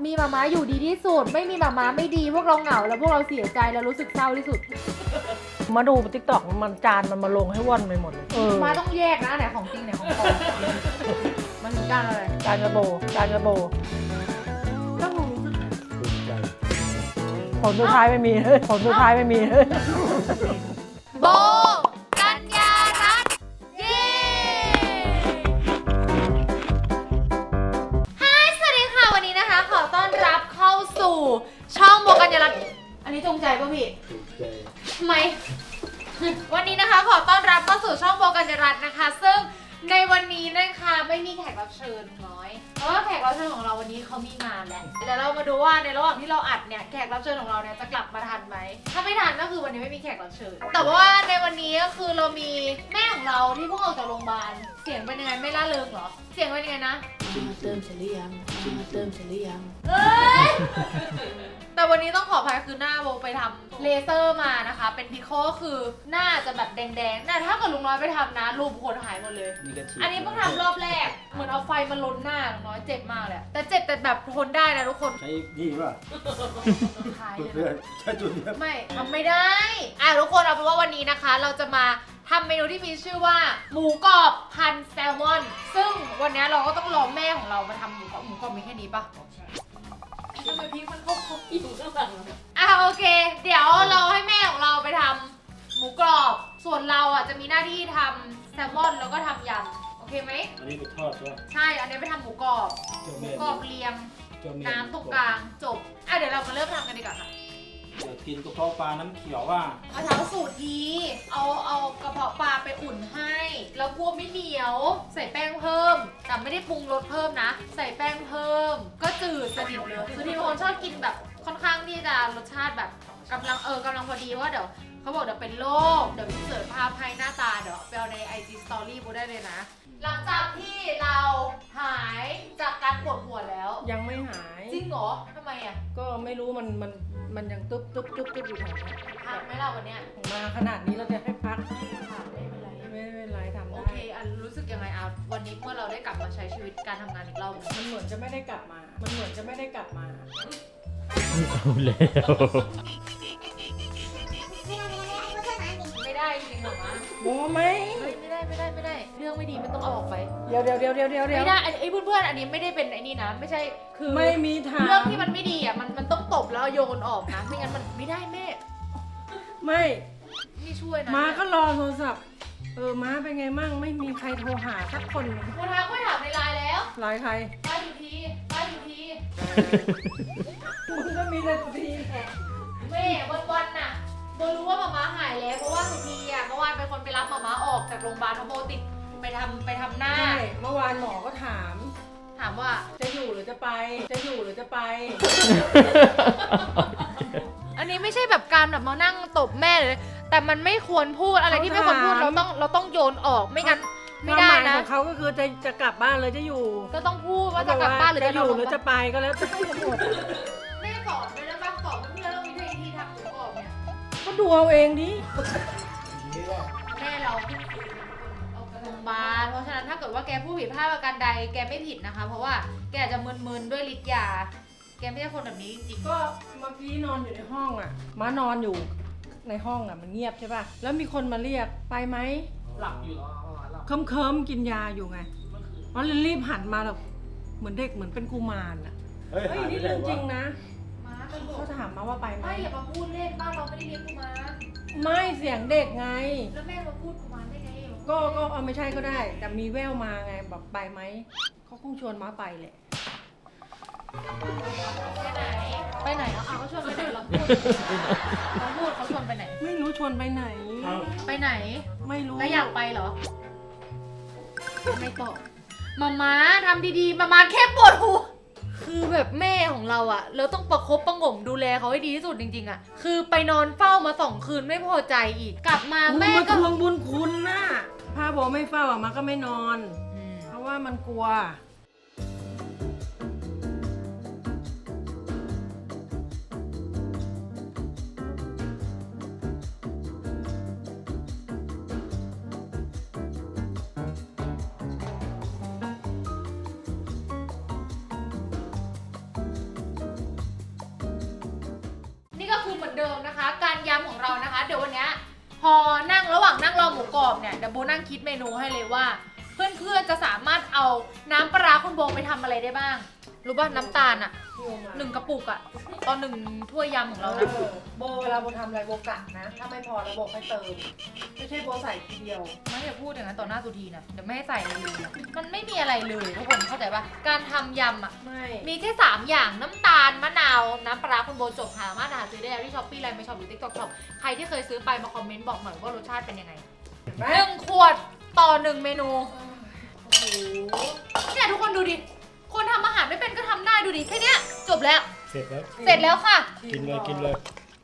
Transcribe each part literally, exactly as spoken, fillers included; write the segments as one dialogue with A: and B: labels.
A: มีหมาม้าอยู่ดีที่สุดไม่มีหมาม้าไม่ดีพวกเราเหงาแล้วพวกเราเสียใจแล้วรู้สึกเศร้าที่สุด
B: มาดูติ๊กต็อกมันจานมันมาลงให้ว่อนไปหมดเลย
A: มาต้องแยกนะไหนของจริงไหนของปลอมมันถึงจานอะไร
B: จานกระโบจานกระโบ
A: ต้องรู้สึก
B: ผลสุดท้ายไม่มีผลสุดท้ายไม่มี
A: โบกัญญารัตน์เย้ฮายสวัสดีค่ะวันนี้นะคะขอต้อนรับเข้าสู่ช่องโบกัญญารัตน์อันนี้จงใจป่ะพี่จงใจทำไมวันนี้นะคะขอต้อนรับเข้าสู่ช่องโบกัญญารัตน์นะคะซึ่งในวันนี้นะคะไม่มีแขกรับเชิญน้อยเพราะว่าแขกรับเชิญของเราวันนี้เขามีงานแหละเดี๋ยวเรามาดูว่าในระหว่างที่เราอัดเนี่ยแขกรับเชิญของเราเนี่ยจะกลับมาทันไหมถ้าไม่ทันก็คือวันนี้ไม่มีแขกรับเชิญแต่ว่าในวันนี้ก็คือเรามีแม่ของเราที่เพิ่งออกจากโรงพยาบาลเสียงเป็นยังไงไม่ล่าเริงเหรอเสียงเป็นยังไงนะ
C: กินมาเติมเสร็จหรือยังกินมาเติมเสร็จหรือยัง
A: เอ้ยแต่วันนี้ต้องขออภัยคือหน้าโบไปทำเลเซอร์มานะคะเป็นพิโคก็คือหน้าจะแบบแดงๆแต่ถ้าเกิดลุงน้อยไปทำนะรูปคนหายหมดเลยอันนี้เพิ่งทำรอบแรกเหมือนเอาไฟมาลนหน้าลุงน้อยเจ็บมากเลยแต่เจ็บแต่แบบทนได้นะทุกคน
D: ใช้นี่ป่ะ
A: หาย
D: เพื่อนใช้จุดเนี้ย
A: ไม่ทำไม่ได้อ่ะทุกคนเอาเป็นว่าวันนี้นะคะ เราจะมาทำเมนูที่มีชื่อว่าหมูกรอบพันแซลมอนซึ่งวันนี้เราก็ต้องรอแม่ของเรามาทำหมูกรอบหมูกรอบมีแค่นี้ปะทำไมพี่มันเข้าครบอยู่ข้างหลังอ่ะโอเคเดี๋ยวเราให้แม่ของเราไปทำหมูกรอบส่วนเราอ่ะจะมีหน้าที่ทำแซลมอนแล้วก็ทำยำโอเคไหม
D: อันนี้ไปทอดใช่ไหม
A: ใช่อันนี้ไปทำหมูกรอบหมูกรอบเรียงน้ำตรงกลางจบอ่ะเดี๋ยวเรามาเริ่มทำกันดีกว่าค่ะ
D: เดี๋ยวกินกระเพาะปลาน้ำเขียวว่า
A: เอาทำสูตรทีเอาเอากระเพาะปลาไปอุ่นให้แล้วกลัวไม่เหนียวใส่แป้งเพิ่มแต่ไม่ได้ปรุงรสเพิ่มนะใส่แป้งเพิ่มก็จืดสนิทเลยคือที่บางคนชอบกินแบบค่อนข้างที่จะรสชาติแบบกำลังเออกำลังพอดีว่าเดี๋ยวเขาบอกเดี๋ยวเป็นโรคเดี๋ยวพี่เสิร์ชภาพให้หน้าตาเดี๋ยวไปเอาใน ไอ จี Story บูได้เลยนะหลังจากที่เราหายจากการปวดหัวแล้ว
B: ยังไม่หาย
A: จริงเหรอทำไมอ่ะ
B: ก็ไม่รู้มันมันมันยังตึ๊บตึ๊บตึ๊บตึ๊บอยู่แถวนี้
A: พักไหมล่ะวันเนี้ย
B: มาขนาดนี้เราจะให้พัก
A: ไม่เป็นไร
B: ไม่เป็นไรทำได้
A: โอเคอันรู้สึกยังไงอ่ะวันนี้เมื่อเราได้กลับมาใช้ชีวิตการทำงานอีกรอบ
B: มันเหมือนจะไม่ได้กลับมา มันเหมือนจะไม่ได้กลับมา
E: เอาแล้ว
A: ไม่ได้จริงหรอมะ
B: โอ้ไหม
A: ไม่ได้ไม่ได้ไม่ได้เรื่องไม่ดีไม่ต้องเอาออกไป
B: เดี๋ยวเดี๋ยวเดี๋ยวเดี๋ยวเดี๋ยว
A: ไม่ได้ไอ้เพื่อนๆอันนี้ไม่ได้เป็นไอ้นี่นะไม่ใช่คือ
B: ไม่มีทาง
A: เรื่องที่มันไม่ดีอ่ะมันมันต้องตบแล้วโยนออกนะไม่งั้นมันไม่ได้แม่
B: ไม่
A: นี่ช่วยนะ
B: ม้าก็รอโทรศัพท์เออม้าเป็นไงมั่งไม่มีใครโทรหาสักคน
A: โทรทางก็ถามในไลน์แล้ว
B: ไลน์ใคร
A: ไลน์สุธีไลน์สุธี
B: มึงก็มีแต่สุธีแหละ
A: แม่วันวันน่ะโบรู้ว่าหมาม้าหายแล้วเพราะว่าสุธีอ่ะเมื่อวานเป็นคนไปรับหมาม้าออกจากโรงพยาบาลเพราะโบติดไปทำไปทำหน้า
B: ใช่เมื่อวานหมอก็ถาม
A: ถามว่า
B: จะอยู่หรือจะไปจะอยู่หรือจะไป
A: อันนี้ไม่ใช่แบบการแบบมานั่งตบแม่เลยแต่มันไม่ควรพูดอะไรที่ไม่ควรพูดเราต้องเราต้องโยนออกไม่งั้นไม่ได้นะ
B: ของเขาก็คือจะจะกลับบ้านเลยจะอยู่
A: ก็ต้องพูดว่าจะกลับบ้านหรือจะ
B: อยู่หรือจะไปก็แล้วแต่หมด
A: แม่สอนไปแล้วบ้างสอนเพื่อนเรามีวิธีทำหมูกรอบเนี่ย
B: ก็ดูเอาเองดิ
A: แม่เราเอากระโรงพยาบาลเพราะฉะนั้นถ้าเกิดว่าแกพูดผิดพลาดประการใดแกไม่ผิดนะคะเพราะว่าแกจะมึนๆด้วยฤทธิ์ยาแกไม่ใช่คนแบบนี้จริง
B: ๆก็เมื่อกี้นอนอยู่ในห้องอ่ะม้านอนอยู่ในห้องอ่ะมันเงียบใช่ป่ะแล้วมีคนมาเรียกไปไหม
D: หลับอยู่เหรอ
B: เคิมเคิมกินยาอยู่ไงเพราะรีบหันมาแบบเหมือนเด็กเหมือนเป็นกุมารอ่ะเฮ้ยนี่เรื่องจริงนะเขาถามมาว่าไปไหม
A: ไม่อย่ามาพูดเล่นบ้านเราไม่ได้เลี้ยงกุมาร
B: ไม่เสียงเด็กไง
A: แล้วแม่มาพูดกุมารได้ไง
B: ก็ก็เอาไม่ใช่ก็ได้แต่มีแววมาไงแบบไปไหมเขาคงชวนมาไปแหละ
A: ไปไหนไปไหนเอาเขาชวนไปไหนเราพูดเขาพูดเขาชวนไปไหน
B: ไม่รู้ชวนไปไหน
A: ไปไหน
B: ไม่รู้
A: แล้วอยากไปเหรอไม่ตอบมาม่าทำดีๆมาม่าแค่ปวดหัวคือแบบแม่ของเราอะเราต้องประคบประหงมดูแลเขาให้ดีที่สุดจริงๆอะคือไปนอนเฝ้ามาสองคืนไม่พอใจอีกกลับมาแม่
B: ก็ทวงบุญคุณนะพาบอกไม่เฝ้าอะมาก็ไม่นอนเพราะว่ามันกลัว
A: เดิมนะคะ การยำของเรานะคะ เดี๋ยววันนี้พอนั่งระหว่างนั่งรอหมูกรอบเนี่ยเดี๋ยวโบนั่งคิดเมนูให้เลยว่า เพื่อนๆจะสามารถเอาน้ำปลาร้าคุณโบไปทำอะไรได้บ้างรู้ป่ะน้ำตาลอะหนึ่งกระปุกอะตอนหนึ่งถ้วยยำของเรานะ
B: เออโบเวลาโบทำอะไรโบกะนะ ถ้าไม่พอแล้วโบค่อยเติม ไม่ใช่โบใส่ทีเดียว
A: ไม่อย่าพูดอย่างนั้นต่อหน้าสุธีนะเดี๋ยวไม่ให้ใส่อะไรเลยนะมันไม่มีอะไรเลยทุกคนเข้าใจป่ะการทำยำอะ
B: ไม่
A: มีแค่สามอย่างน้ำตาลมะนาวน้ำปลาร้าคุณโบจบหามาหาซื้อได้ที่ช้อปปี้ไลน์ไม่ช็อปหรือติ๊กต็อกช็อปใครที่เคยซื้อไปมาคอมเมนต์บอกหน่อยว่ารสชาติเป็นยังไง
B: เห็นไหม
A: หนึ่งขวดต่อหนึ่งเมนู
B: โอ้โห
A: เนี่ยทุกคนดูดิคนทำอาหารไม่เป็นก็ทำได้ดูดิแค่เนี้ยจบแล้ว
D: เสร็จแล้ว
A: เสร็จแล้วค่ะ
D: กินเลยกินเลย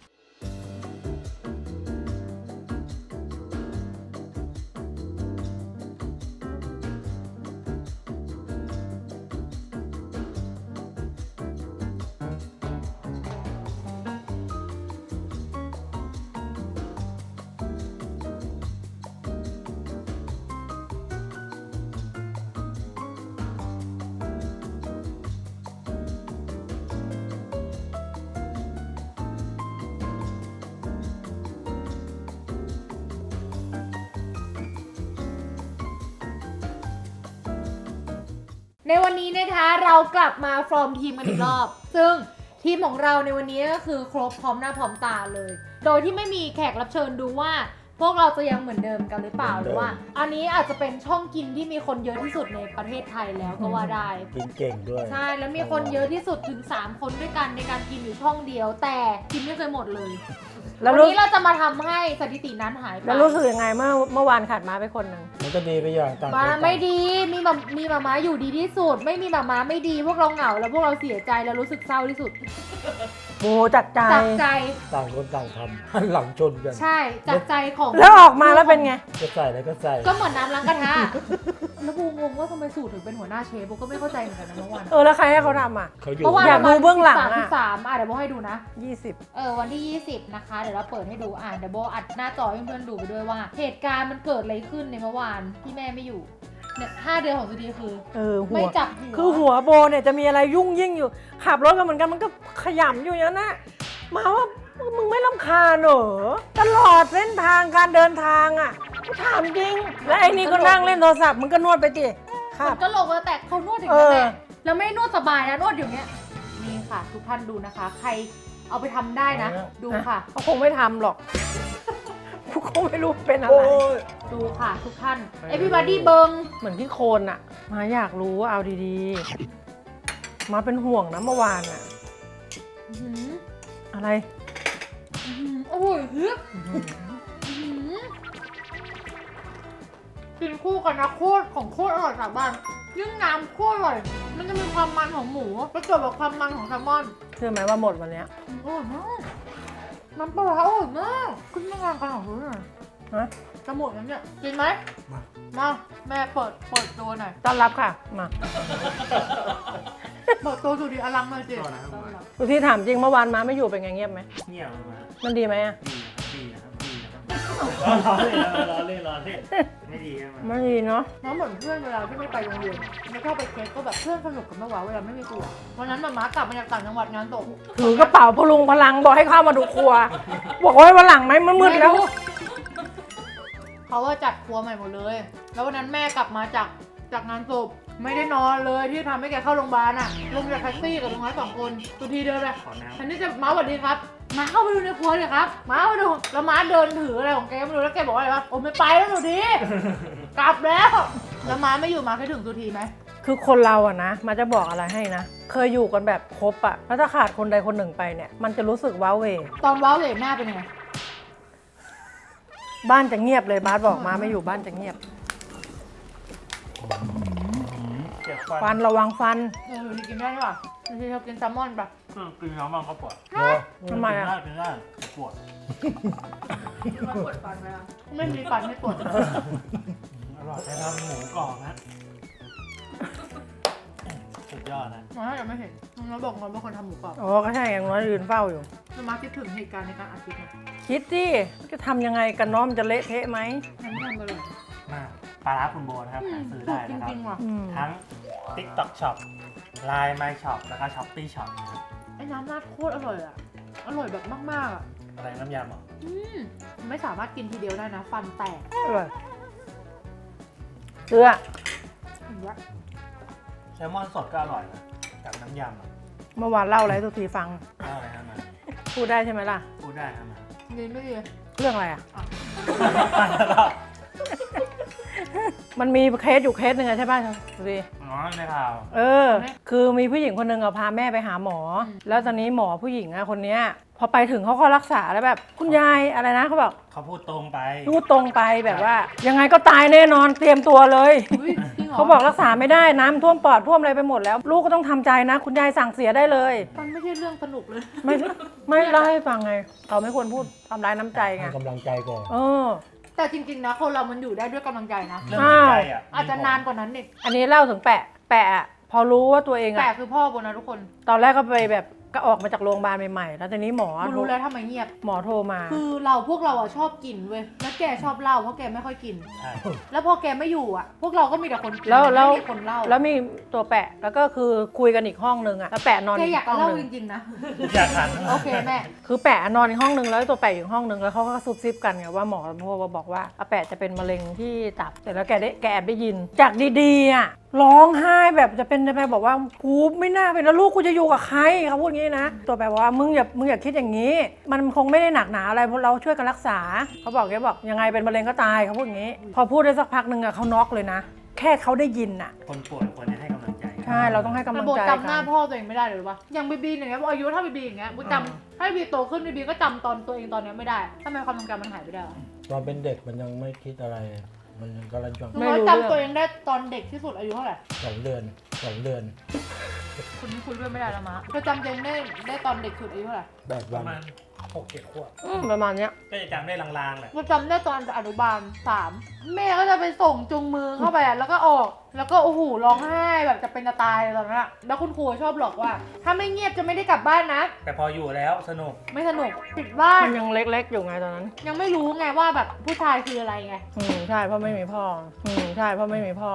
A: ในวันนี้นะคะเรากลับมาฟอร์มทีมกันอีกรอบ ซึ่งทีมของเราในวันนี้ก็คือครบพร้อมหน้าพร้อมตาเลย โดยที่ไม่มีแขกรับเชิญดูว่า พวกเราจะยังเหมือนเดิมกันหรือเปล่าหรือว่า อันนี้อาจจะเป็นช่องกินที่มีคนเยอะที่สุดในประเทศไทยแล้วก็ว่าได้
E: กินเก่งด้วย
A: ใช่แล้วมีคนเยอะที่สุดถึงสามคนด้วยกันในการกินอยู่ช่องเดียว แต่กินไม่เคยหมดเลย
B: แล้ว
A: วัน
B: รู้
A: นี้เราจะมาทำให้สถิตินั้นหายไป
B: แล้วรู้สึกยังไงเมื่อเมื่อวานขาดมาไปคนหนึ่ง
E: มันก็ดีไปอย่างต่างคน
A: มา
E: ต่าง
A: ไม่ดีมีมามีมาม้าอยู่ดีที่สุด ไม่มีมาม้าไม่ดีพวกเราเหงาแล้วพวกเราเสียใจแล้วรู้สึกเศร้าที่สุด
B: โบจัดใจ
A: จากใจ
E: ต่างคนต่างทำหันหลังชนกัน
A: ใช่จากใจของ
B: แล้วออกมาแล้วเป็นไง
E: จะใส่อะไรก็ใส่
A: ก็เหมือนน้ำล้างกระทะแล้วบูงงว่าทำไมสูตรถึงเป็นหัวหน้าเชฟบูก็ไม่เข้าใจเหมือนกันนะเมื่อวาน
B: เออแล้วใครให้เขาทำอ่ะ
E: เขาอยู่
A: เพราะว่า
B: อยากดูเบื้องหลังอะ
A: ที่สามอ่ะเดี๋ยวโบให้ดูนะ
B: ยี่สิบ
A: เออวันที่ยี่สิบนะคะเดี๋ยวเราเปิดให้ดูอ่านเดี๋ยวโบอัดหน้าจอให้เพื่อนๆดูไปด้วยว่า เหตุการณ์มันเกิดอะไรขึ้นในเมื่อวานที่แม่ไม่อยู่เนี่ยห้าเดือนของสุดีคือ
B: เออหั
A: ไม่
B: ว
A: จับหัว
B: คือหัวโบเนี่ยจะมีอะไรยุ่งยิ่งอยู่ ขับรถกันเหมือนกันมันก็ขยำอยู่อย่างนั้นนะมาว่ามึงไม่รำคาญเหรอตลอดเส้นทางการเดินทางอ่ะกูถามจริง แล้วไอ้นี่ก็นั่งเล่นโทรศัพท์มึงก็นวดไปดิครับ
A: ก็ลงแล้วแต่เขานวดอย่าง
B: เอ
A: นี้
B: อ
A: แหละแล้วไม่นวดสบายนะนวดอย่างเงี้ยนี่ค่ะ ทุกท่านดูนะคะ ใครเอาไปทำได้นะ ดูค่ะ
B: เขาคงไม่ทำหรอกกูคงไม่รู้เป็นอะไร
E: โอ้ย
A: ดูค่ะ ทุกท่าน everybody เบิง
B: เหมือนที่โคลนอะมาอยากรู้ว่าเอาดีๆ มาเป็นห่วงนะเมื่อวานอะ
A: อื้อหือ
B: อะไร
A: อื้อหือโอ้ยเฮ้ยอื้อหือกินคู่กันนะโคตรของโคตรอร่อยจากบ้านยิ่งน้ำโคตรอร่อย มันจะมีความมันของหมูประกอบกับความมันของแซลมอน
B: เชื่อไหมว่าหมดวันเนี้ย
A: อร่อยมากน้ำปลาร้าอร่อยมากขึ้นมางานกันของรู้หน่อย
B: ฮะ
A: จะหมดแล้วเนี่ยกินไหมมาแม่เปิดเปิดตัวหน่อย
B: ต้อนรับค่ะ มา
A: เปิดตัวสุดีอลังเลยจิ
D: ก่อนนะครับมา
B: ดูที่ถามจริงเมื่อวานมาไม่อยู่เป็นไงเงียบไหม
D: เงียบเลยมา
B: มันดีไหมอะ
D: ดีนะครับดีนะครับดีนะครับล้อเล่นล้อเล่นล้อเล่นไม่ดีครับ
B: ไม่ดีเนาะ
A: น้องเหมือนเพื่อนเวลาที่ไม่ไปโรงเรียนไม่ชอบไปเค้กก็แบบเพื่อนสนุกกันมากกว่าเวลาไม่มีครูอะวันนั้นมาม้ากลับมาจากต่างจังหวัดงานศพ
B: ถือกระเป๋าพลุงพลังบอกให้เข้ามาดูครัว บอกว่าวันหลังไหมมันมืดแล้ว
A: เขาว่าจัดครัวใหม่หมดเลย แล้ววันนั้นแม่กลับมาจากจากงานศพไม่ได้นอนเลยที่ทำให้แกเข้าโรงพยาบาลอ่ะลงจากแท็กซี่กับลุงน้อยสองคนสุทีเดินเลย
D: ขอน้ำ
A: ฉันนี่จะม้าสวัสดีครับม้าเข้าไปดูในครัวเลยครับม้าไปดูแล้วม้าเดินถืออะไรของแกไม่รู้แล้วแกบอกว่าอะไรวะโอ้ไม่ไปแล้วสุทีกลับแล้วแล้วม้าไม่อยู่ม้าเคยถึงสุทีไหม
B: คือคนเราอะนะมาจะบอกอะไรให้นะ เคยอยู่กันแบบครบอะแล้วถ้าขาดคนใดคนหนึ่งไปเนี่ย มันจะรู้สึกว้าเหว
A: ตอนว้าวเหวหน้าเป็นยังไง
B: บ้านจะเงียบเลยบาสบอกมาไม่อยู่บ้านจะเงียบ
D: เจ็บฟัน
B: ฟันระวังฟัน
A: เออสุทีกินได้หรอสุทีชอบกินแซลมอนปะ
D: เครื่องกินน้ำมันก็ปวด
B: ทำไมอะ
D: กินได้กินได้ปวด
A: ไม่มีฟันไม่ปวด
D: อร่อยใช้ทำหมูกรอบนะสุดยอดนะ
A: ม้ายังไม่เห็นน้องบอกน้องเป็นคนทำหมูกรอบ
B: อ๋อก็ใช่อย่างน้อยยืนเฝ้าอยู่
A: แล้วม้าคิดถึงเหตุการณ์ในการอัดคลิปไหม
B: คิดดิจะทำยังไงกันเน้อมนจะเละเทะไหม
A: ฉันทำไปเลย
D: มาปลาร้าคุณโบนะครับหาซื้อได้
A: จ
D: นะครับ
A: ริงๆว่ะ
B: อืม
D: ทั้ง TikTok Shop Line My Shop แล้วก็ Shopee Shop นะครับ
A: ไอ้น้ำราดโคตรอร่อยอ่ะ อร่อยแบบมากๆอ่ะ
D: อะไรน้ำยำเหรอ
A: อืมไม่สามารถกินทีเดียวได้นะ ฟันแตก
B: อร่อยเกลือ
A: อย่างเงี้ย
D: แซลมอนสดก็อร่อยนะกับน้ำยำอ่ะ
B: เมื่อวานเล่าอะไรทุกทีฟัง
D: เล่าอะไรนะมา
B: พูดได้ใช่ไหมล่ะ
D: พูดได้นะมา
A: ดีไม่ดี
B: เรื่องอะไรอ่ะ มันมีเคสอยู่เคสหนึ่งอะใช่ป่ะดูดิ
D: อ๋อในข่าว
B: เออ คือมีผู้หญิงคนหนึ่งอะพาแม่ไปหาหมอ แล้วตอนนี้หมอผู้หญิงอะคนเนี้ยพอไปถึงเขาก็รักษาแล้วแบบคุณยายอะไรนะเขาบอก
D: เขาพูดตรงไป
B: พูดตรงไปแบบว่า ยังไงก็ตายแน่นอนเตรียมตัวเลย
A: อุ๊ยจริงเหรอ
B: เขาบอกรักษาไม่ได้น้ำท่วมปอดท่วมอะไรไปหมดแล้ว ลูกก็ต้องทำใจนะ คุณยายสั่งเสียได้เลย
A: มันไม่ใช่เรื่องสนุกเลย
B: ไม่ไม่เล่าให้ฟังไงเขาไม่ควรพูดทำร้ายน้ำใจไง
E: ให้กำลังใจก่อน
B: เออ
A: แต่จริงๆนะคนเรามันอยู่ได้ด้วยกำลังใจนะ
D: เรื่องจิตใจอ่ะ
A: อาจจะนานกว่านั้นอีก
B: อันนี้เล่าถึงแปะแปะอะพอรู้ว่าตัวเอง
A: แต่
B: อะ
A: คือพ่อบนนะทุกคน
B: ตอนแรกก็ไปแบบก็ออกมาจากโรงพยาบาลใหม่ๆแล้วตอนนี้หมอ
A: กูรู้แล้วทำไมเงียบ
B: หมอโทรมา
A: คือเราพวกเราอ่ะชอบกินเว้ย แล้วแกชอบเหล้าเพราะแกไม่ค่อยกิน
D: ใช่
A: แล้วพอแกไม่อยู่อ่ะ พวกเราก็มีแต่คนกิน
B: แล้วแล้ว
A: ไม่มีคนเหล้า
B: แล้วมีตัวแปะแล้วก็คือคุยกันอีกห้องนึงอะแล้วแปะนอน
A: แก
B: อี
A: อยาก
B: กห้อง
A: เล่า
B: นึ
A: จ
B: ง
A: ริงๆนะ
D: อยากขัน
A: โอเคแม่
B: คือแปะนอนอีกห้องนึงแล้วตัวแปะอยู่อีกห้องนึงแล้วเขาก็ซุบซิบกันไงว่าหมอโทรมาบอกว่าอาแปะจะเป็นมะเร็งที่ตับแต่แล้วแกได้แกแอบได้ยิน จากดีๆอะร้องไห้แบบจะเป็นจะไปบอกว่ากูไม่น่าเป็นแล้วลูกกูจะอยู่กับใครเขาพูดอย่างนี้นะตัวแปะบอกว่ามึงอย่ามึงอย่าคิดอย่างนี้ มันคงไม่ได้หนักหนาอะไรเพราะเราช่วยกันรักษาเขาบอกแกบอกยังไงเป็นมะเร็งก็ตายเขาพูดอย่างนี้ พอพูดได้สักพักหนึ่งอะเขาน็อกเลยนะ แค่เขาได้ยินอะ
D: คนป่วยควรจะให้กำลังใจกัน
B: ใช่เราต้องให้กำลั
A: ระ
B: ง
A: บบ
B: ใจ
A: จำหน้า
B: กัน
A: พ่อตัวเองไม่ได้เลยหรือวะอย่างบีบีอย่างเงี้ยอายุเท่าบีบีอย่างเงี้ยบูจำถ้าบีบีโตขึ้นบีบีก็จำตอนตัวเองตอนเนี้ยไม่ได้ทำไมความทรงจำมันหายไปได้วะ
E: ตอนเป็นเด็กมันยังไม่คิดอะไร มันยังกำลังจ
A: หนูน้อยจำตัวเองได้ตอนเด็กที่สุดอายุเท่าไหร่
E: สองเดือนสองเดือน
A: คุณคุยด้วยไม่ได้แล้วมะเธอจำตัวเองได้ได้ตอนเด็กสุดอายุเท่าไหร่
E: แปด
D: ป
E: วั
D: ระ
E: น
D: มาณหกเจ็ดขวบ
B: อืมประมาณเนี้ย
D: ก็จะจำได้ลางๆแหละ
A: กูจำได้ตอนอนุบาลสามแม่ก็จะไปส่งจูงมือเข้าไปอะแล้วก็ออก แล้วก็โอ้โหร้องไห้แบบจะเป็นจะตายเลยตอนนั้นอะแล้วคุณครูชอบหลอกว่า ถ้าไม่เงียบจะไม่ได้กลับบ้านนะ
D: แต่พออยู่แล้วสนุก
A: ไม่สนุกปิดบ้าน
B: มันยังเล็กๆอยู่ไงตอนนั้น
A: ยังไม่รู้ไงว่าแบบผู้ชายคืออะไรไง
B: อืมใช่เพราะไม่มีพ่อ อืมใช่เพราะไม่มีพ่อ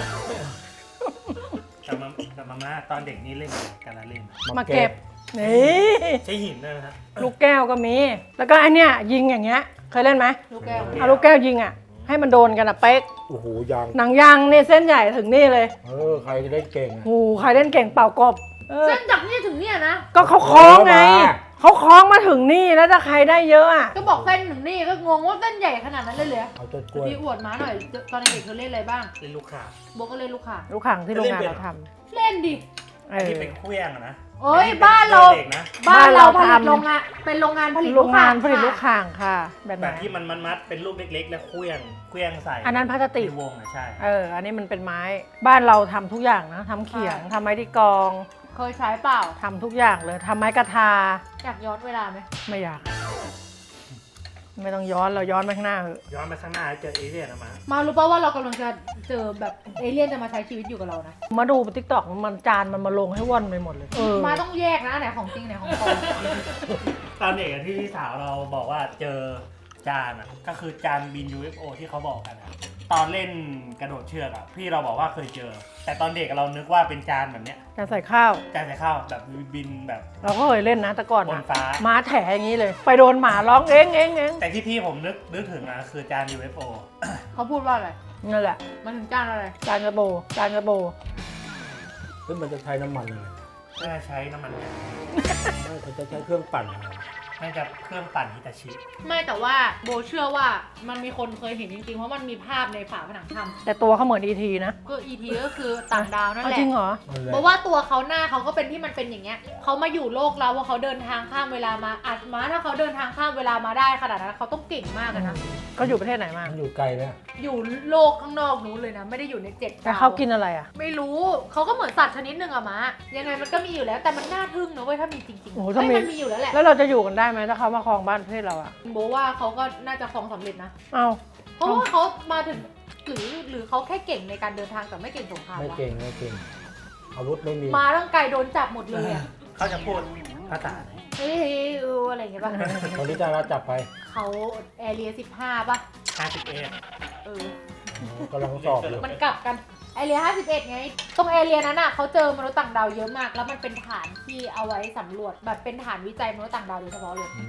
D: แต่มาแต่มาม่าตอนเด็กนี่เล่นอะไรกันละเล่น
B: มาเก็บ นี่
D: ใช้หินด้วยนะฮะ
B: ลูกแก้วก็มี แล้วก็ไอเนี้ยยิงอย่างเงี้ย เคยเล่นไหม
A: ลูกแก้ว
B: เอาลูกแก้วยิงอ่ะ ให้มันโดนกันอ่ะเป๊ก
E: โอ้โหยาง
B: หนังยางเนี่ยเส้นใหญ่ถึงนี่เลย
E: เออใครจะได้เก่งอะ
B: โอ้โหใครเล่นเก่งเป่ากบ เออ
A: เส้นจากนี่ถึงเนี่ยนะ
B: ก็เขาคล้องไง
E: เออมา
B: เขาคล้องมาถึงนี่แล้วถ้าใครได้เยอะอ่ะ
A: ก็บอกเส้นถึงนี่ก็งงว่าเส้นใหญ่ขนาดนั้นเลยเหรอ
E: เอาต้นกล้วย
A: พี่อวดมาหน่อยตอนเด็กเธอเล่นอะไรบ้าง
D: เล่นลูกข่าง
A: โบก็เล่นลูกข่าง
B: ลูกขังที่โรงงานเราท
A: เล่นดิ
B: ำเออ
D: ที่เป็นเครื่องอะนะ
A: เอ้ยบ้านเรา
D: เด็กนะ
A: บ้านเราผ
B: บ้าน
A: ลิ
B: เรา
A: ต
B: ทำ
A: โรงงานเป็นโรงงานผลิต
B: โรงงานผลิต
A: ค่ะ
B: ลูกข่างค่ะ แบบไห
D: แบ
B: น
D: บที่มันมัดๆเป็นรูปเล็กๆ แล้วเครื่องเครื่องใส่
B: อันนั้นพลาสติก
D: ในวงอะใช่
B: เออ อันนี้มันเป็นไม้ บ้านเราทำทุกอย่างนะทำเขียงทำไม้ที่กรอง
A: เคยใช้เปล่า
B: ทำทุกอย่างเลยทำไม้กระทา
A: อยากย้อนเวลาไหม
B: ไม่อยาก ไม่ต้องย้อนเราย้อนไปข้างหน้าเถอะ
D: ย้อนไปข้างหน้าเจอเอเลี่ยนอะมา
A: มารู้ป่าว่าเรากำลังจะเจอแบบเอเลี่ยนจะมาใช้ชีวิตอยู่กับเรานะ
B: มาดูติ๊กต็อกมันจานมันมาลงให้ว่อนไปหมดเลย เออ
A: มาต้องแยกนะอันไหนของจริงอันไหนของปลอม
D: ตอนเด็กอะที่พี่สาวเราบอกว่าเจอจานอะก็คือจานบิน ยู เอฟ โอ ที่เขาบอกกันอะตอนเล่นกระโดดเชือกอะพี่เราบอกว่าเคยเจอ แต่ตอนเด็กเรานึกว่าเป็นจานแบบเนี้ย
B: จะใส่ข้าว
D: จานใส่ข้าวแบบบินแบบ
B: เราก็เคยเล่นนะแต่ก่อน
D: บน
B: อะ
D: ฟ้า
B: ม้าแถอย่างนี้เลย ไปโดนหมาร้องเอ้งเอ้งเอ้ง
D: แต่ที่พี่ผมนึกนึกถึงอะคือจาน ยู เอฟ โอ
A: เขาพูดว่าอะไร
B: นั่นแหละ
A: มันถึงจ้างอะไร
B: จานกระโบจานกระโบ
E: ซึ่งมันจะใช้น้ำมันอะไร
D: น่าใช้น้ำมันงา
E: ไม่เขาจะใช้เครื่องปั่นอะไร
D: น่าจะเครื่องปั่นฮิตาชิ
A: ไม่แต่ว่าโบเชื่อว่ามันมีคนเคยเห็นจริงๆเพราะมันมีภาพในฝาผนังถ้ำ
B: แต่ตัวเขาเหมือนอีทีนะ
A: ก็อีทีก็คือต่างดาวนั่น
B: เอา
A: แหละ
B: จริงเหรอ
E: นั่นแหละ
A: เพราะว่าตัวเขาหน้าเขาก็เป็นที่มันเป็นอย่างเงี้ยเขามาอยู่โลกเราเพราะเขาเดินทางข้ามเวลามาอัดมาถ้าเขาเดินทางข้ามเวลามาได้ขนาดนั้นเขาต้องเก่งมากอะนะ
B: ก็อยู่ประเทศไหนมา
E: มันอยู่ไกลไหม
A: อยู่โลกข้างนอกนู้นเลยนะไม่ได้อยู่ในเจ็ด
B: แต่
A: ดาว
B: เขากินอะไรอ่ะ
A: ไม่รู้เขาก็เหมือนสัตว์ชนิดหนึ่งอะมะยังไงมันก็มีอยู่แล้วแต่มันน่าทึ่งนะเว้ยถ้ามีจริงๆ
B: โอ้โห
A: เฮ้
B: ถ้ายมี
A: มันมีอยู่แล้วแหละ
B: แล้วเราจะอยู่กันได้ไหมถ้าเขามาครองบ้านประเทศเราอ่ะ
A: โบว่าเขาก็น่าจะครองสำเร็จนะ
B: เอา
A: เพราะว่าเขามาถึงหรือหรือเขาแค่เก่งในการเดินทางแต่ไม่เก่งสงคราม
E: ไม่
A: วะ
E: เก่งไม่เก่ง อาวุธไม่มี
A: มาตั้งไกลโดนจับหมดเลยอะ
D: เขาจะพูดภาษาไหน
A: เฮ้ยเอออะไรอย่างเงี้ยป่ะ
E: ตอนนี้จะรับจับไป
A: เขาแอเรียสิบห้าป่ะ
D: ห้าสิบเอ็ด
A: เออ
E: อ๋อกำลังสอบอยู่
A: มันกลับกันแอเรียห้าสิบเอ็ดไง ตรงแอเรียนั้นอ่ะเขาเจอมนุษย์ต่างดาวเยอะมาก แล้วมันเป็นฐานที่เอาไว้สำรวจแบบเป็นฐานวิจัยมนุษย์ต่างดาวโดยเฉพาะเลย
E: อืม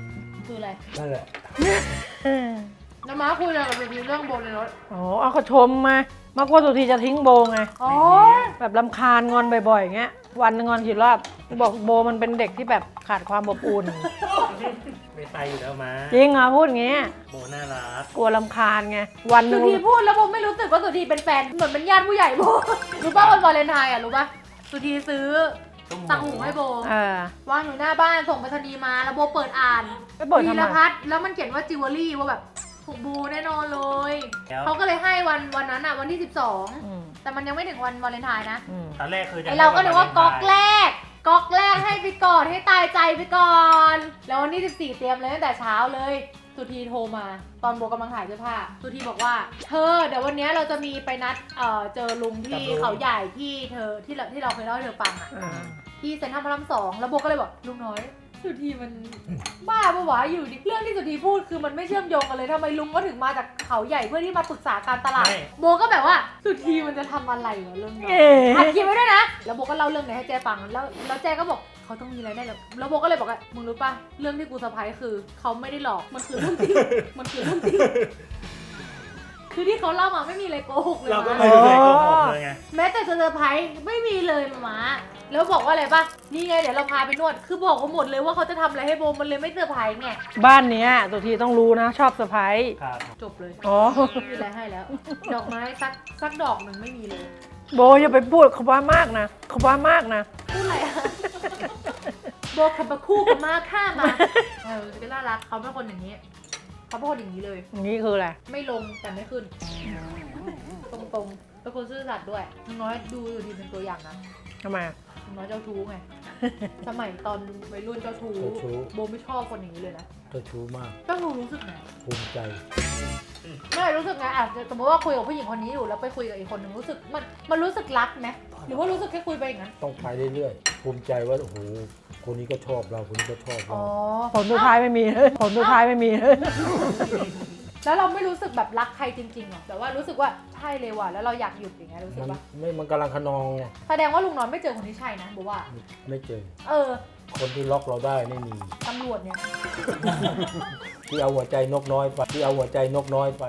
A: คืออะไร
E: นั่นแหละ
A: น้ำม้าคุยอะไรกับสุธีเรื่องโบในรถ
B: อ๋อเอาเขาชมมา มากกว่าสุธีจะทิ้งโบไง
A: อ๋อ
B: แบบรำคาญงอนบ่อยๆอย่างเงี้ย วันหนึงงอนกี่รอบ บอกโบมันเป็นเด็กที่แบบขาดความอบอุ่น
D: ไม่ไปอยู่แล้วมา
B: จริงเหรอพูดอย่างเงี้ย
D: โบน่ารัก
B: กลัวรำคาญไง วันห
A: สุ
B: นึง
A: ธีพูดแล้วโบไม่รู้สึกว่าสุธีเป็นแฟนเหมือนเป็นญาติผู้ใหญ่โบ รู้ป่ะวันวาเลนไทน์อ่ะรู้ป่ะสุธีซื้อตังหูให้โบ
B: เออ
A: วางอยู่หน้าบ้านส่งไปรษณีย์มาแล้วโบเปิดอ่าน
B: ไปเปิดทำไม
A: วีรพัฒน์แล้วมันเขียนว่าจิวเวลรี่ว่าแบบถูกบูแน่นอนเลย
D: แล้ว
A: เขาก็เลยให้วันวันนั้นอ่ะวันที่สิบสอง
B: อืม
A: แต่มันยังไม่ถึงวันวาเลนไทน์นะ
B: อืม
D: ตอนแรกคือจะ
A: ไอเราก็นึกว่าก๊อกแรกก๊อกแรกให้ไปก่อนให้ตายใจไปก่อน แล้ววันที่สิบสี่เตรียมเลยตั้งแต่เช้าเลยสุธีโทรมาตอนโบกำลังถ่ายเสื้อผ้าสุธีบอกว่าเธอเดี๋ยววันนี้เราจะมีไปนัดเอ่อเจอลุงที่เขาใหญ่ที่เธอที่เราที่เราเคยเล่าให้เธอฟังอ่ะ
B: อ่า
A: ที่เซ็นทรัลพระรามสองแล้วโบก็เลยบอกลุงน้อยสุธีมันบ้าปะวะอยู่ดิเรื่องที่สุธีพูดคือมันไม่เชื่อมโยงกันเลยทำไมลุงก็ถึงมาจากเขาใหญ่เพื่อที่มาปรึกษาการตลาดโบก็แบบว่าสุธีมันจะทำอะไรวะเรื่องนี้
B: เอ๊ะ
A: อัดคลิปไว้ด้วยนะแล้วโบก็เล่าเรื่องนี้ให้เจ๊ฟังแล้วแล้วเจ๊ก็บอกเขาต้องมีอะไรแน่เลยแล้วโบก็เลยบอกว่ามึงรู้ป่ะเรื่องที่กูเซอร์ไพรส์คือเขาไม่ได้หลอกมันคือเรื่องจริงมันคือเรื่องจริงคือที่เขาเล่ามาไม่มีอะไรโกหกเลย
D: เราก็
A: นะ
D: ไม่เคยโกหกเลยไง
A: แม้แต่เซอร์ไพรส์ไม่มีเลยมามาแล้วบอกว่าอะไรป่ะ นี่ไงเดี๋ยวเราพาไปนวด คือบอกเขาหมดเลยว่าเขาจะทำอะไรให้โบมันเลยไม่เซอร์ไพรส์ไง
B: บ้านเนี้ยสุธีต้องรู้นะ ชอบเซอร์ไพรส์
D: ครับ
A: จบเลย
B: อ๋อ
A: ไม่มีอะไรให้แล้ว ดอกไม้สักสักดอกหนึ่งไม่มีเลย
B: โบอย่าไปพูดเขาว่ามากนะเขาว่ามากนะ
A: พูดอะไรอะ โบขับมาคู่กับมาข้ามาเออเป็นน่ารักเขาเป็นคนอย่างนี้เขาเป็นคนอย่างนี้เลย
B: อย่างนี้คืออะไร
A: ไม่ลงแต่ไม่ขึ้น ตรงๆเป็นคนซื่อสัตย์ด้วยลุงน้อยดูอยู่ดีเป็นตัวอย่างนะ
B: ทำไมอะ
A: ลุงน้อยเจ้าชู้ไง สมัยตอนวัยรุ่นเจ้าชู้
E: เจ้าชู้
A: โบไม่ชอบคนอย่างนี้เลยนะ
E: เจ้าชู้มาก
A: เจ้าชู้รู้สึกไง
E: ภูมิใจ
A: ไม่รู้สึกไงอ่ะสมมติว่าคุยกับผู้หญิงคนนี้อยู่แล้วไปคุยกับอีกคนหนึ่งรู้สึกมันมันรู้สึกรักไหมหรือว่ารู้สึกแค่คุยไปอย่างนั้น
E: ต้องไปเรื่อยๆ ภูมิใจว่า โอ้โห คนนี้ก็ชอบเรา คนนี้ก็ชอบ
A: อ๋
E: เรา
A: อ
B: ผลสุดท้ายไม่มีเลยผลสุดท้ายไม่มีเลย
A: แล้วเราไม่รู้สึกแบบรักใครจริงๆหรอแต่ว่ารู้สึกว่าใช่เลยว่ะแล้วเราอยากหยุดอย่างเงี้ยรู้สึก
E: มัน
A: ว่า
E: ไม่ มันกำลังขนองไง
A: แสดงว่าลุงน้อยไม่เจอคนที่ใช่นะบอกว่า
E: ไม่เจอ
A: เออ
E: คนที่ล็อกเราได้ไม่มี
A: ตำรวจเนี่ย
E: ที่เอาหัวใจนกน้อยไป ที่เอาหัวใจนกน้อยไป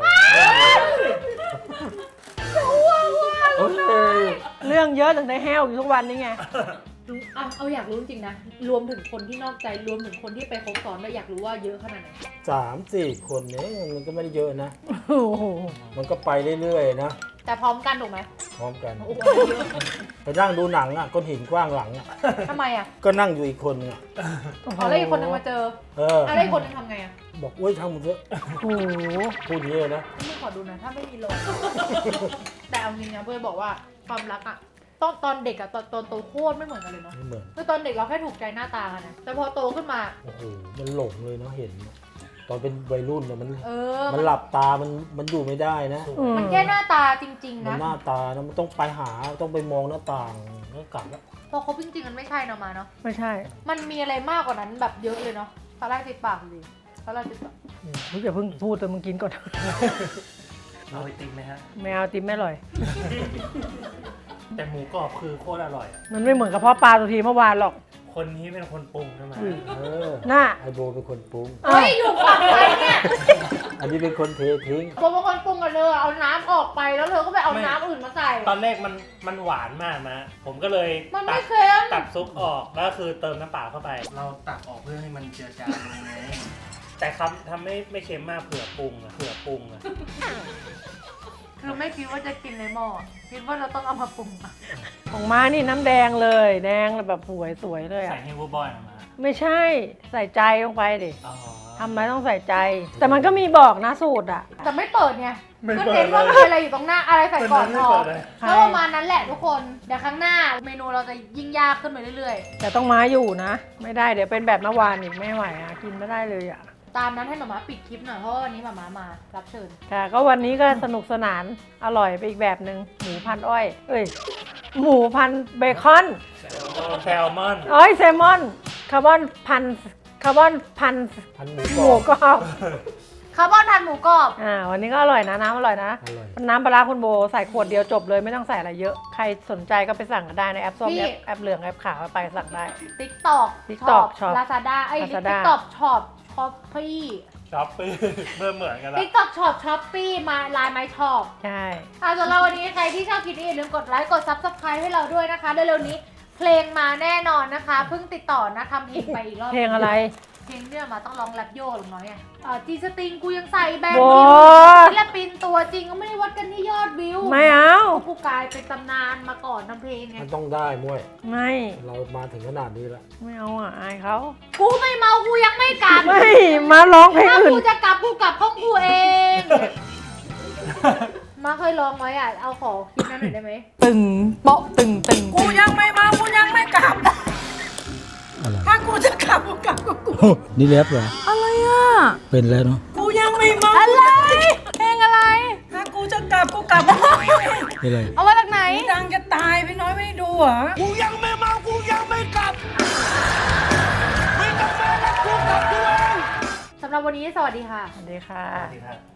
E: เอ้ย
B: เรื่องเยอะถึงได้แห้วอยู่ทุกวันนี้ไง
A: เอาเอาอยากรู้จริงๆนะรวมถึงคนที่นอกใจรวมถึงคนที่ไปคบซ้อนด้วยอยากรู้ว่าเยอะขนาดไหน
E: สามสี่คนเนี่ยมันก็ไม่ได้เยอะนะ
B: โอ้โห
E: มันก็ไปเรื่อยๆนะ
A: แต่พร้อมกันถูกไหม
E: พร้อมกัน
A: โอ้โหเยอะ
E: ไปนั่งดูหนังอ่ะก้อนหินกว้างหลังอ่ะ
A: ทำไมอ่ะ
E: ก็นั่งอยู่อีกคนนึงอ่ะ
A: อ๋อแล้วอีกคนนึงมาเจอ
E: เออ
A: อะไรอีกคนนึงทำไงอ่ะ
E: บอกเว้ยทำหมดเถอะ
B: โอ้โห
E: พูดอย่างนี้เลยนะ
A: ไม่ขอดูหนะถ้าไม่มีลม แต่เอาจริงนะเบยบอกว่าความรักอะตอนตอนเด็กอะตอนตอนโตโคตรไม่เหมือนกันเลยเนาะ
E: ไม่เหมือน
A: คือตอนเด็กเราแค่ถูกใจหน้าตากันนะแต่พอโตขึ้นมา
E: โอ้โห มันหลงเลยเนาะเห็น ตอนเป็นวัยรุ่นเนี่ยมัน
A: เออ
E: มันหลับตา มัน มันอยู่ไม่ได้นะ
B: อืม
A: มันแค่หน้าตาจริง ๆ
E: มัน
A: นะ
E: หน้าตานะมันต้องไปหา ต้องไปมองหน้าต่างแล้วกลับแล้ว
A: พอคบจริงๆมันไม่ใช่เนาะมาเนาะ
B: ไม่ใช่
A: มันมีอะไรมากกว่านั้นแบบเยอะเลยเนาะตอนแรกติดปากเลยตอนแรกติดปาก
B: มึงอย่าเพิ่งพูดแต่มึงกินก่อน
D: เอาไอติมไหมฮะ
B: แมวติมไม่อร่อย
D: แต่หมูกรอบคือโคตรอร่อยอะ
B: มันไม่เหมือนกับพ่อปลาสุธีเมื่อวานหรอก
D: คนนี้เป็นคนปรุงใช่ไหม
B: อุ้ย
E: เออ
B: น่า
E: ไอโบเป็นคนปรุง
A: เฮ้ยอยู่ฝั่งไหนเนี่ย
E: อันนี้เป็นคนเททิ้ง
A: ผมเป็นคนปรุงกับเธอเอาน้ำออกไปแล้วเธอก็ไปเอาน้ำอื่นมาใส่
D: ตอนแรกมันมันหวานมากนะผมก็เลย
A: มัน
D: ตั
A: ไม่
D: ด
A: เค็ม
D: ตัดซุปออกแล้วคือเติมน้ำเปล่าเข้าไป เราตักออกเพื่อให้มันเจือจางลงไงแต่คำทำไม่ไม่เค็มมากเผื่อปรุงอะเผื่อปรุงอะ
A: คือไม่คิดว่าจะกินในหม้อคิดว่าเราต้องเอามาปรุงอะ
B: ของม้านี่น้ำแดงเลย แดงแบบสวยสวยๆเลย
D: ใส่
B: อ่ะ
D: ให้วัวบอยออกมา
B: ไม่ใช่ใส่ใจลงไปดิ
D: อ๋อ
B: ทำไมต้องใส่ใจ แต่มันก็มีบอกนะสูตรอ่ะ
A: แต่ไม่เปิดไง
D: ไม่
A: ก็
D: เปิด
A: เน้นว่า
D: เลย
A: มีอะไรอยู่ตรงหน้าอะไรใส่ก่อน
D: ไม่
A: พอ
D: เปิดเลย
A: ก็ประมาณนั้นแหละทุกคนเดี๋ยวครั้งหน้าเมนูเราจะยิ่งยากขึ้นไปเรื่อย
B: แต่ต้องม้าอยู่นะ ไม่ได้เดี๋ยวเป็นแบบเมื่อวานอีกไม่ไหวอ่ะกินไม่ได้เลยอ่ะ
A: ๆ ตามนั้นให้หมาม้าปิดคลิปหน่อยเพราะว่าวันนี้หมาม้ามารับเชิญ
B: ค่ะ ก็วันนี้ก็สนุกสนานอร่อยไปอีกแบบหนึ่งหมูพันอ้อย เอ้ย หมูพันเบคอน
D: แซลมอน
B: อ้อยแซลมอนคาร์บอนพันคาร์บอนพัน
E: พันหมู
B: ห
E: กร
B: มู
E: อบ
B: กรอบ
A: คาร์บอนทานหมูกรอบ
B: อ่าวันนี้ก็อร่อยนะน้ำอร่อยนะ
E: อร่อย
B: น้ำปลาร้าคุณโบใส่ขวดเดียวจบเลยไม่ต้องใส่อะไรเยอะ ใครสนใจก็ไปสั่งกันได้ในแอปส้มแอปแอปเหลืองแอปขาวไปสั่งได้
A: ติ๊กตอก
B: TikTok ช็อป
A: ลาซาด้าไอ้
B: Lazada
A: ติ๊กตอกช็อปชคอฟฟี่
D: ช็อปปี้เมื่อเหมือนกันละ
A: ติ๊กต็อกช็อปช้อปปี้มาไลน์ไมช็อป
B: ใช่
A: อ่ะสำหรับวันนี้ใครที่ชอบคลิปนี้อย่าลืมกดไลค์กด ซับสไครบ์ ให้เราด้วยนะคะเร็วๆนี้เพลงมาแน่นอนนะคะเพิ่งติดต่อนะทำเพลงไปอีกรอบ
B: เพลงอะไร
A: เพลงเนี่ยมาต้องร้องแรปโย่หรือน้อยอ่ะอ่าจีสติงกูยังใส่แบงค์
B: โว้
A: อยู่
B: ย
A: ศิลปินตัวจริงก็ไม่ได้วัดกันที่ยอดวิว
B: ไม่เอา
A: กูกลายเป็นตำนานมาก่อนทำเพลงไง
E: มันต้องได้มวย
B: ไม่
E: เรามาถึงขนาดนี้แล้ว
B: ไม่เอาอ่ะอายเขา
A: กูไม่เมากูยังไม่กลับ
B: ไม่มาร้องเพลง
A: ถ้า
B: อื่น
A: กูจะกลับกูกลับห้องกูเอง มาเคยลองไว้อ่ะเอาขอคลิปนั้นหน่อยได้ไหม
B: ตึงโป๊ะตึงตึงกูยังไม่มากูยังไม่กลับ
E: อะไร
B: ถ้ากูจะกลับกูกลับกับกู
E: นี่แรปเหรอ
B: อะไรอ่ะ
E: เป็นแล้วเนาะ
B: กูยังไม่เมาอะไรเพลงอะไร ถ้ากูจะกลับกูกลับ
E: เป็นอะไร
A: เอามาจากไหน
B: ดังจะตายพี่น้อยไม่ดูเหรอ
D: กูยังไม่เมากูยังไม่กลับไม่ต้องมาแล้วกูกลับกูเอง
A: สำหรับวันนี้สวัสดีค่ะ
B: สวัสดีค่ะ
D: สวัสดีครับ